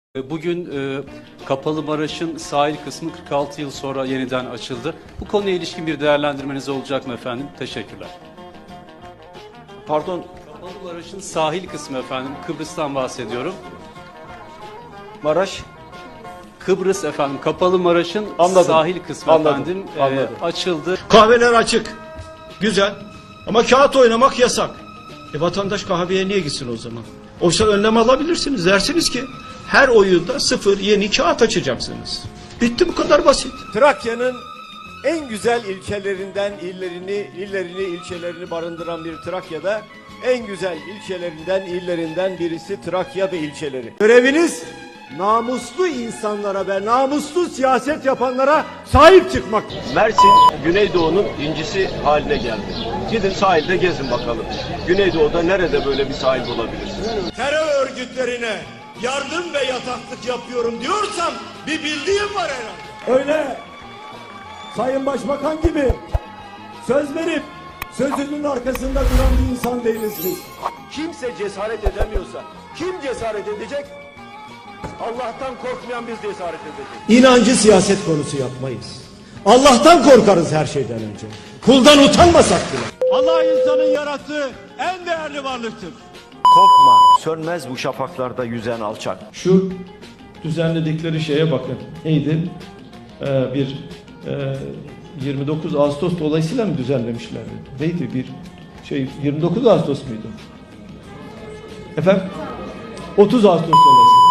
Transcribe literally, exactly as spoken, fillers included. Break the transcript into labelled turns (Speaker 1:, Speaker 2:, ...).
Speaker 1: Bugün e, Kapalı Maraş'ın sahil kısmı kırk altı yıl sonra yeniden açıldı. Bu konuya ilişkin bir değerlendirmeniz olacak mı efendim? Teşekkürler.
Speaker 2: Pardon.
Speaker 1: Kapalı Maraş'ın sahil kısmı efendim. Kıbrıs'tan bahsediyorum.
Speaker 2: Maraş.
Speaker 1: Kıbrıs efendim. Kapalı Maraş'ın sahil kısmı
Speaker 2: Anladım.
Speaker 1: efendim e,
Speaker 2: Anladım.
Speaker 1: açıldı.
Speaker 3: Kahveler açık. Güzel. Ama kağıt oynamak yasak. E vatandaş kahveye niye gitsin o zaman? Oysa önlem alabilirsiniz. Dersiniz ki her oyunda sıfır yeni kağıt açacaksınız. Bitti, bu kadar basit.
Speaker 2: Trakya'nın en güzel ilçelerinden illerini, illerini, ilçelerini barındıran bir Trakya'da en güzel ilçelerinden, illerinden birisi Trakya ve ilçeleri. Göreviniz namuslu insanlara ve namuslu siyaset yapanlara sahip çıkmak.
Speaker 4: Mersin, Güneydoğu'nun incisi haline geldi. Gidin sahilde gezin bakalım. Güneydoğu'da nerede böyle bir sahil bulabilirsiniz?
Speaker 5: Terör örgütlerine yardım ve yataklık yapıyorum diyorsam bir bildiğim var herhalde.
Speaker 2: Öyle Sayın Başbakan gibi söz verip sözünün arkasında duran bir insan değiliz biz. Kimse cesaret edemiyorsa kim cesaret edecek? Allah'tan korkmayan biz cesaret edeceğiz. İnancı siyaset konusu yapmayız. Allah'tan korkarız her şeyden önce. Kuldan utanmasak bile.
Speaker 5: Allah insanın yarattığı en değerli varlıktır.
Speaker 4: Korkma, sönmez bu şafaklarda yüzen alçak.
Speaker 3: Şu düzenledikleri şeye bakın. Neydi? Ee, bir e, yirmi dokuz Ağustos dolayısıyla mı düzenlemişler? Neydi bir şey, yirmi dokuz Ağustos muydu? Efendim? otuz Ağustos dolayısıyla.